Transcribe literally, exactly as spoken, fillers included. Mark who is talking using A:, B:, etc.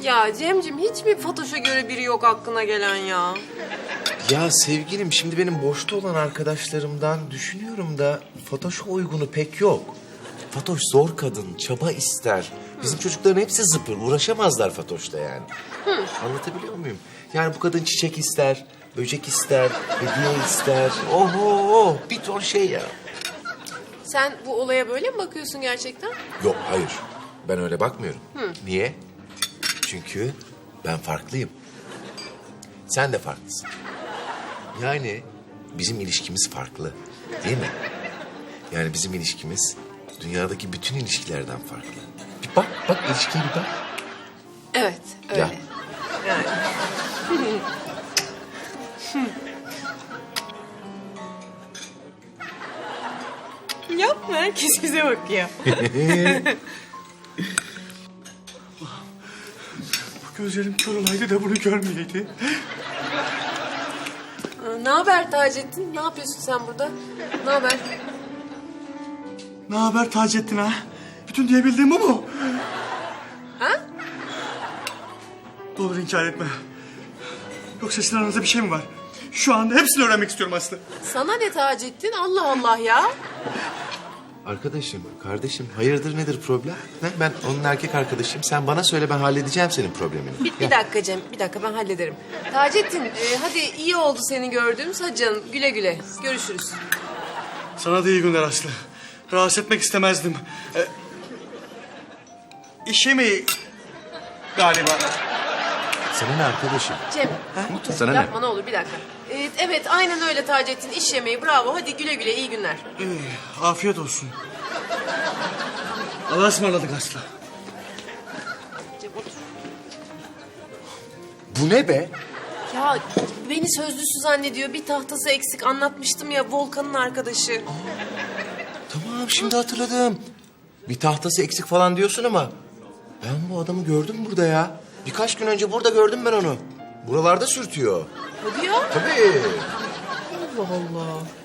A: Ya Cemcim hiç mi Fatoş'a göre biri yok aklına gelen ya?
B: Ya sevgilim şimdi benim boşta olan arkadaşlarımdan düşünüyorum da Fatoş'a uygunu pek yok. Fatoş zor kadın, çaba ister. Bizim çocukların hepsi zıpır, uğraşamazlar Fatoş'ta yani. Anlatabiliyor muyum? Yani bu kadın çiçek ister, böcek ister, hediye ister. Oho, bir ton şey ya.
A: Sen bu olaya böyle mi bakıyorsun gerçekten?
B: Yok, hayır. Ben öyle bakmıyorum. Niye? Çünkü ben farklıyım. Sen de farklısın. Yani bizim ilişkimiz farklı, değil mi? Yani bizim ilişkimiz dünyadaki bütün ilişkilerden farklı. Bir bak, bak ilişkiye bir bak.
A: Evet, öyle.
B: Ya.
A: Yani. Yapma, herkes bize bakıyor.
C: Gözlerim kör olaydı da bunu görmeyeydi.
A: Ne haber Taceddin? Ne yapıyorsun sen burada? Ne haber?
C: Ne haber Taceddin ha? Bütün diyebildiğim bu mu?
A: Ha?
C: Ne olur inkar etme. Yoksa sizin aranızda bir şey mi var? Şu anda hepsini öğrenmek istiyorum Aslı.
A: Sana ne Taceddin? Allah Allah ya.
B: Arkadaşım, kardeşim hayırdır nedir problem? Ne? Ben onun erkek arkadaşıyım. Sen bana söyle ben halledeceğim senin problemini.
A: Bir, bir dakika Cem, bir dakika ben hallederim. Taceddin, e, hadi iyi oldu seni gördüğümüz. Hadi canım, güle güle. Görüşürüz.
C: Sana da iyi günler Aslı. Rahatsız etmek istemezdim. Ee, iş yemeği galiba.
B: Sana ne arkadaşım?
A: Cem,
B: Sana
A: yapma
B: ne?
A: ne olur bir dakika. E, evet, aynen öyle Taceddin. İş yemeği, bravo. Hadi güle güle, iyi günler.
C: Ee, afiyet olsun. Allah'a ısmarladık Aslı.
A: Cem otur.
B: Bu ne be?
A: Ya beni sözlüsü zannediyor. Bir tahtası eksik anlatmıştım ya, Volkan'ın arkadaşı.
B: Tamam şimdi hatırladım. Bir tahtası eksik falan diyorsun ama ben bu adamı gördüm burada ya. Birkaç gün önce burada gördüm ben onu. Buralarda sürtüyor.
A: Hadi ya.
B: Tabii.
A: Allah Allah.